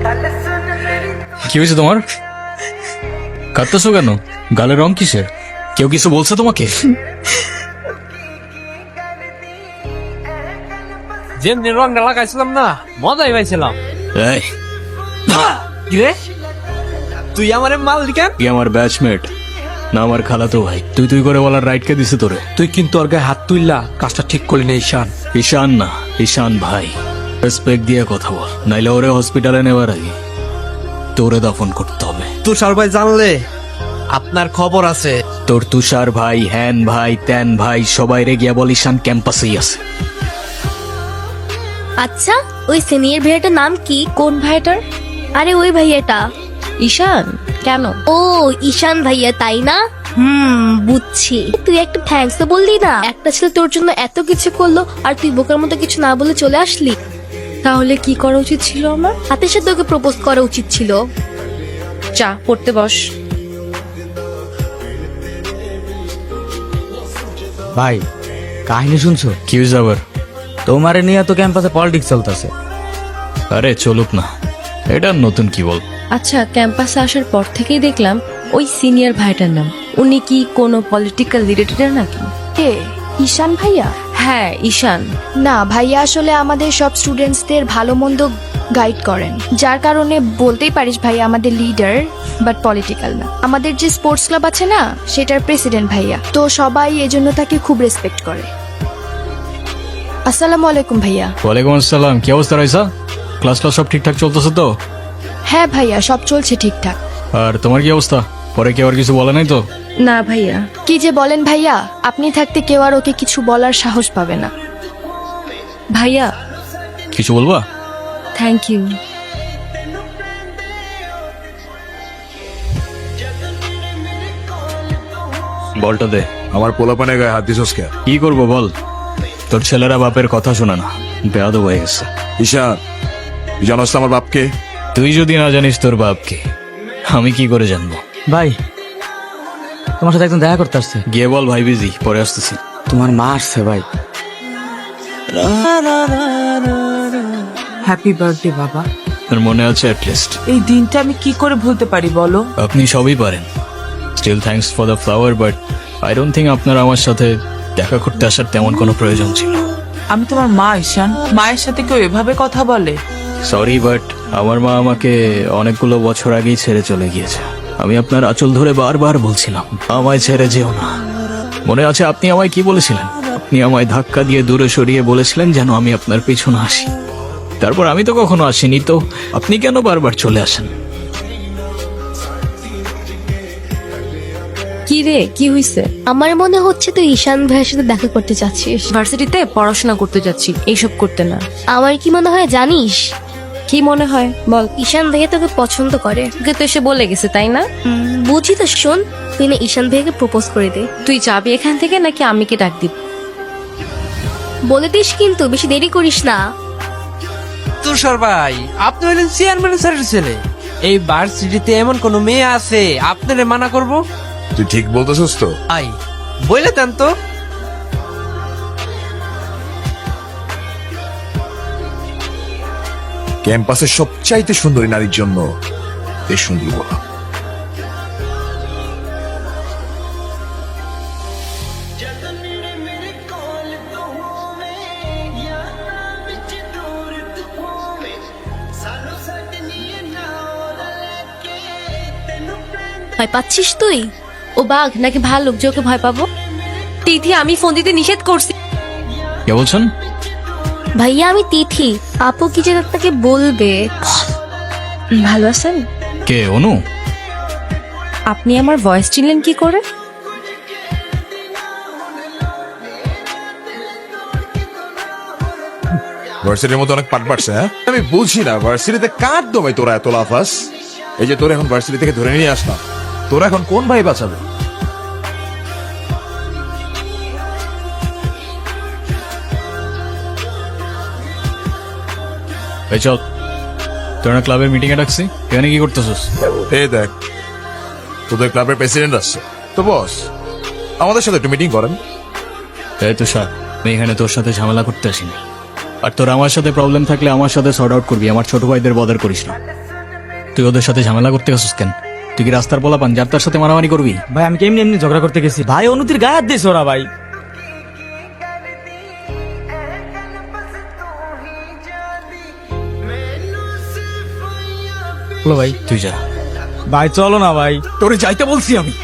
কি হয়েছে তোমার? কাঁদতেছো কেন? গালের রং কিসের? কেউ কিছু বলছে তোমাকে? যেমনি রংটা লাগাইছিলাম না, মজাই পাইছিলাম। এই, কিরে তুই আমার মাল দিকেন? তুই আমার ব্যাচমেট না আমার খালাতো ভাই? তুই তুই করে বলার রাইট কে দিছে তোরে? তুই কিন্তু ওর গায়ে হাত তুললা, কাজটা ঠিক করলি না ঈশান। ঈশান না, ঈশান ভাই। রেসপেক্ট দিয়ে কথা বল, নাইলে ওরে হসপিটালে নেওয়ার আগে তোরে দাফন করতে হবে। তুষার ভাই জানলে আপনার খবর আছে। তোর তুষার ভাই, হ্যান ভাই, ত্যান ভাই, সবাই রে গিয়া বল ঈশান ক্যাম্পাসেই আছে। আচ্ছা, ওই সিনিয়র ভাইয়াটার নাম কি? কোন ভাইটার? আরে ওই ভাইয়াটা। ঈশান? কেন? ও ঈশান ভাইয়া, তাই না? বুঝছি। তুই একটা থ্যাঙ্কস তো বললি না? একটা ছেলে তোর জন্য এত কিছু করলো আর তুই বোকার মতো কিছু না বলে চলে আসলি। তাহলে কি করা উচিত ছিল আমার? হাতের সাথে ওকে প্রপোজ করা উচিত ছিল। চা পড়তে বস। ভাই, কাহিনী শুনছো? কি হয়েছে আবার? তোমারে নিয়ে তো ক্যাম্পাসে পলিটিক্স চলতেছে। আরে চলুক না, এটা নতুন কি বল? আচ্ছা, ক্যাম্পাসে আসার পর থেকেই দেখলাম ওই সিনিয়র ভাইটার নাম। উনি কি কোনো পলিটিক্যাল রিলেটেড নাকি? কে? ঈশান ভাইয়া? হ্যাঁ, ঈশান। না, ভাইয়া আসলে আমাদের সব স্টুডেন্টসদের ভালো মন্দ গাইড করেন, যার কারণে বলতেই পারিস ভাইয়া আমাদের লিডার, বাট পলিটিক্যাল না। আমাদের যে স্পোর্টস ক্লাব আছে না, সেটার প্রেসিডেন্ট ভাইয়া, তো সবাই এজন্য তাকে খুব রেসপেক্ট করে। আসসালামু আলাইকুম ভাইয়া। ওয়ালাইকুম আসসালাম। কি অবস্থা রয়েছে? ক্লাস সব ঠিকঠাক চলতেছে তো? হ্যাঁ ভাইয়া, সব চলছে ঠিকঠাক। আর তোমার কি অবস্থা? পরে কি আবার কিছু বলে নাই তো? না ভাইয়া। কি যে বলেন ভাইয়া, আপনি থাকতে কেউ আর ওকে কিছু বলার সাহস পাবে না। ভাইয়া, কিছু বলবা? Thank you. বলটা দে। আমার পোলাপানে গায়ে হাত দিছস কে? কি করবো বল? তোর ছেলেরা বাপের কথা শোনা না, বেয়াদব হয়ে গেছে। ঈশান, তুই জানোস তো আমার বাপকে? তুই যদি না জানিস তোর বাপকে, আমি কি করে জানবো? ভাই, তোমার সাথে একদম দেখা করতে আসছে। গিয়ে বল ভাই বিজি, পরে আসতেছি। তোমার মা আসছে ভাই। হ্যাপি বার্থডে বাবা। তোর মনে আছে অ্যাটলিস্ট? এই দিনটা আমি কি করে ভুলতে পারি বলো? আপনি সবই পারেন। Still thanks for the flower, but I don't think আপনার আমার সাথে দেখা করতে আসার তেমন কোনো প্রয়োজন ছিল। আমি তোমার মা ঈশান, মায়ের সাথে কেউ এভাবে কথা বলে? সরি, বাট আমার মা আমাকে অনেকগুলো বছর আগেই ছেড়ে চলে গিয়েছে। আমি আপনার আঁচল ধরে বারবার বলছিলাম আমায় ছেড়ে যেও না। মনে আছে আপনি আমায় কি বলেছিলেন? আপনি আমায় ধাক্কা দিয়ে দূরে সরিয়ে বলেছিলেন যেন আমি আপনার পেছনে আসি। তারপর আমি তো কখনো আসিনি, তো আপনি কেন বারবার চলে আসেন? কি রে, কি হইছে? আমার মনে হচ্ছে তুই ঈশান ভাইয়ের সাথে দেখা করতে চাচ্ছিস। ভার্সিটিতে পড়াশোনা করতে যাচ্ছি, এইসব করতে না। আমার কি মনে হয় জানিস? কি মনে হয় বল? ঈশান ভাইয়া তোকে পছন্দ করে। তোকে তো এসে বলে গেছে, তাই না? বুঝি তো, শোন, তুই না ঈশান ভাইয়াকে প্রপোজ করে দে। তুই যাবি এখান থেকে নাকি আমি কি ডাক দিব? বলে দিস কিন্তু, বেশি দেরি করিস না। তুষার ভাই, আপনি হলেন চেয়ারম্যান স্যারের ছেলে। এই ভার্সিটিতে এমন কোন মেয়ে আছে আপনারে মানা করব? তুই ঠিক বলতেছস তো? আই বলে দেন তো। ক্যাম্পাসের সবচাইতে সুন্দরী নারীর জন্য এই সুন্দরী বলা। ভয় পাচ্ছিস তুই? ও বাঘ নাকি ভাল্লুক যে ওকে ভয় পাবো? তিথি, আমি ফোন দিতে নিষেধ করছি। কে বলছেন? ভাইয়া আমি তিথি। আপু কি যে আপনাকে বলবে। ভালো আছেন? কে? অনু? আপনি আমার ভয়েস চিনলেন কি করে? ভার্সিটির মধ্যে অনেক পাট পাটছে। হ্যাঁ, আমি বুঝি না ভার্সিটিতে কার দমে তোরা এত লাফাস। এই যে তোরা এখন ভার্সিটি থেকে ধরে নিয়ে আসলাম, তোরা এখন কোন ভাই বাঁচাবে? এই চল, তোরা ক্লাবের মিটিং এ ডাকছি, এখানে কি করতেছিস? এই দেখ, তোদের ক্লাবের প্রেসিডেন্ট আসছে তো বস, আমাদের সাথে একটু মিটিং করেন। এই তুষার, আমি এখানে তোর সাথে ঝামেলা করতে আসিনি। আর তোর আমার সাথে প্রবলেম থাকলে আমার সাথে সর্ট আউট করবি, আমার ছোট ভাইদের বদার করিস না। তুই ওদের সাথে ঝামেলা করতে গেছিস কেন? তুই কি রাস্তার বলা পান যার তার সাথে মারামারি করবি? ভাই আমি কেমনি এমনি ঝগড়া করতে গেছি ভাই, অনুতির গায়ে হাত দিয়েছে ওরা ভাই। বলো ভাই। তুই যা। ভাই চলো না ভাই। তোরে যাইতে বলছি আমি।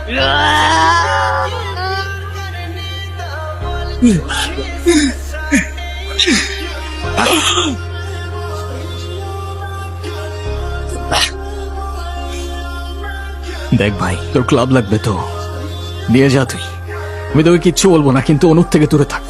দেখ ভাই, তোর ক্লাব লাগবে তো দিয়ে যা তুই। আমি তোকে কিচ্ছু বলবো না, কিন্তু অনুর থেকে দূরে থাক।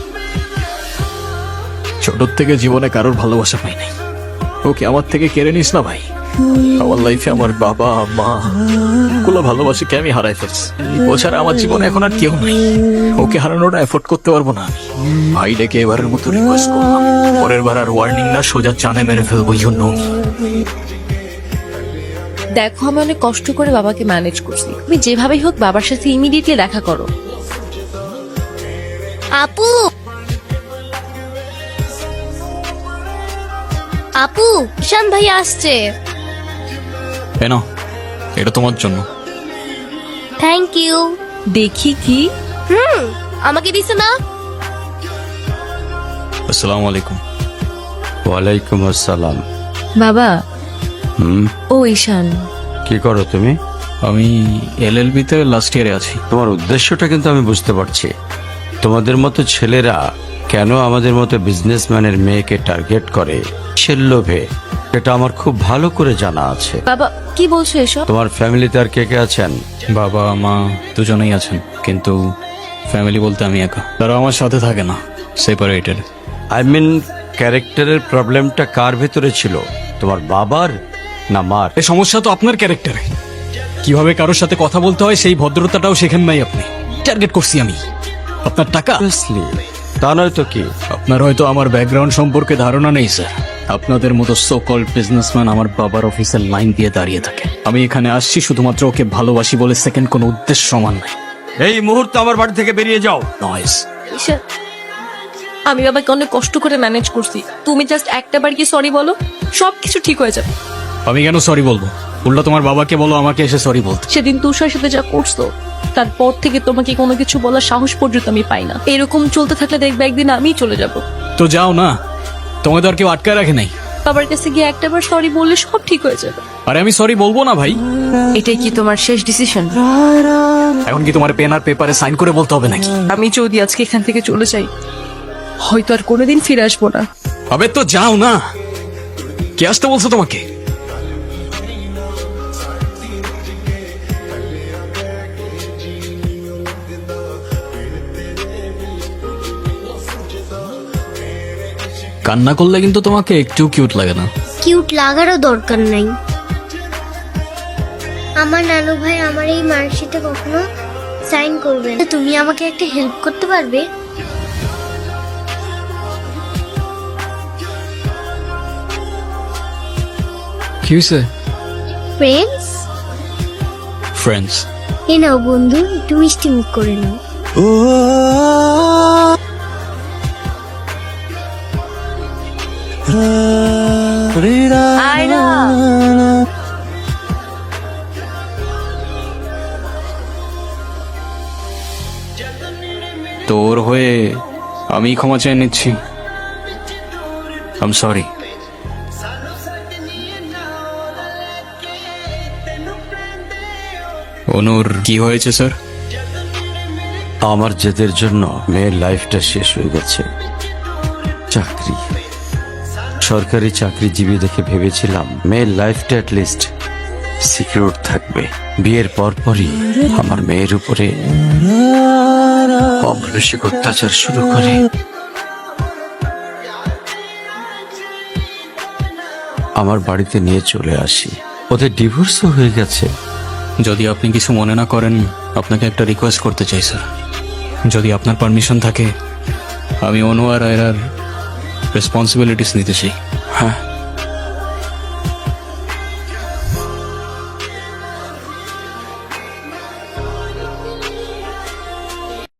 ছোটর থেকে জীবনে কারোর ভালোবাসা পাই নাই, ওকে আমার থেকে কেড়ে নিস না ভাই। আমার লাইফে আমার বাবা মা গুলো ভালোবাসিকে আমি হারাই ফেলছি। ও ছাড়া আমার জীবনে এখন আর কেউ নাই। ওকে হারানোটা এফোর্ড করতে পারবো না আমি। ভাই ডেকে এবারের মতো রিকোয়েস্ট করলাম, পরের বার আর ওয়ার্নিং না, সোজা চানে মেরে ফেলবো। জন্য দেখো আমি অনেক কষ্ট করে বাবাকে ম্যানেজ করছি, তুমি যেভাবেই হোক বাবার সাথে ইমিডিয়েটলি দেখা করো। আপু, আপু, ঈশান ভাই আসছে। কেন? এটা তোমার জন্য। Thank you. দেখি কি। আমাকে দিছে না? আসসালামু আলাইকুম। ওয়ালাইকুম আসসালাম। বাবা। হুম, ও ঈশান, কি করো তুমি? আমি LLB তে লাস্ট ইয়ারে আছি। তোমার উদ্দেশ্যটা কিন্তু আমি বুঝতে পারছি। তোমাদের মতো ছেলেরা কেন আমাদের মতো বিজনেসম্যানের মেয়েকে টার্গেট করে সে লোভে, এটা আমার খুব ভালো করে জানা আছে। বাবা কি বলছো এসব? তোমার ফ্যামিলিতে আর কে কে আছেন? বাবা মা দুজনেই আছেন, কিন্তু ফ্যামিলি বলতে আমি একা। তারা আমার সাথে থাকে না, সেপারেটেড। আই মিন ক্যারেক্টারের প্রবলেমটা কার ভেতরে ছিল, তোমার বাবার না মার? এই সমস্যা তো আপনার ক্যারেক্টারে। কিভাবে কারোর সাথে কথা বলতে হয় সেই ভদ্রতাটাও শেখেন নাই আপনি। টার্গেট করছি আমি আপনার টাকা। Obviously, তা নয় তো কি? আপনার হয়তো আমার ব্যাকগ্রাউন্ড সম্পর্কে ধারণা নেই স্যার। আপনাদের মতো সো কল্ড বিজনেসম্যান আমার বাবার অফিসের লাইন দিয়ে দাঁড়িয়ে থাকে। আমি এখানে আসছি শুধুমাত্র ওকে ভালোবাসি বলে, সেকেন্ড কোনো উদ্দেশ্য সমান নাই। এই মুহূর্তে আমার বাড়ি থেকে বেরিয়ে যাও। নয়েস। ঈশান, আমি বাবাকে অনেক কষ্ট করে ম্যানেজ করছি, তুমি জাস্ট একটা বার কি সরি বলো, সবকিছু ঠিক হয়ে যাবে। আমি কেন সরি বলবো? উল্টা তোমার বাবাকে বলো আমাকে এসে সরি বলতে। সেদিন তুষার সাথে যা করছো তারপর থেকে তোমাকে কোনো কিছু বলার সাহস পর্যন্ত আমি পাই না। এরকম চলতে থাকলে দেখবে একদিন আমিই চলে যাব। তো যাও না, তোমাদের আর কেউ আটকায় রাখে নাই। বাবার কাছে গিয়ে একটাবার সরি বললে সব ঠিক হয়ে যাবে। আরে আমি সরি বলবো না ভাই। এটাই কি তোমার শেষ ডিসিশন? এখন কি তোমার পেন আর পেপারে সাইন করে বলতে হবে নাকি? আমি যদি আজকে এখান থেকে চলে যাই হয়তো আর কোনোদিন ফিরে আসবো না। আবে তো যাও না, কে আসতে বলছো তোমাকে? কান্না করলে কিন্তু তোমাকে একটু কিউট লাগে না। কিউট লাগারও দরকার নাই। আমার নানু ভাই আমার এই মার্কশিটে কখনো সাইন করবে না। তুমি আমাকে একটা হেল্প করতে পারবে? কি হয়েছে? Friends, friends. এ নাও বন্ধু, একটু মিষ্টি মুখ করে নাও। আয়রা, তোর হয়ে আমি ক্ষমা চেয়ে নিচ্ছি। I am sorry. অনুর কি হয়েছে স্যার? আমার জেদের জন্য মেয়ের লাইফটা শেষ হয়ে গেছে। চাকরি, সরকারি চাকরিজীবী দেখে ভেবেছিলাম মেয়ের লাইফটা অ্যাটলিস্ট সিকিউর থাকবে। বিয়ের পরপরই আমার মেয়ের উপরে অমানসিক অত্যাচার শুরু করে। আমার বাড়িতে নিয়ে চলে আসি, ওদের ডিভোর্সও হয়ে গেছে। যদি আপনি কিছু মনে না করেন, আপনাকে একটা রিকোয়েস্ট করতে চাই স্যার। যদি আপনার পারমিশন থাকে, আমি অনু আর আয়রার রেসপন্সিবিলিটিস নিতে চাই। হ্যাঁ।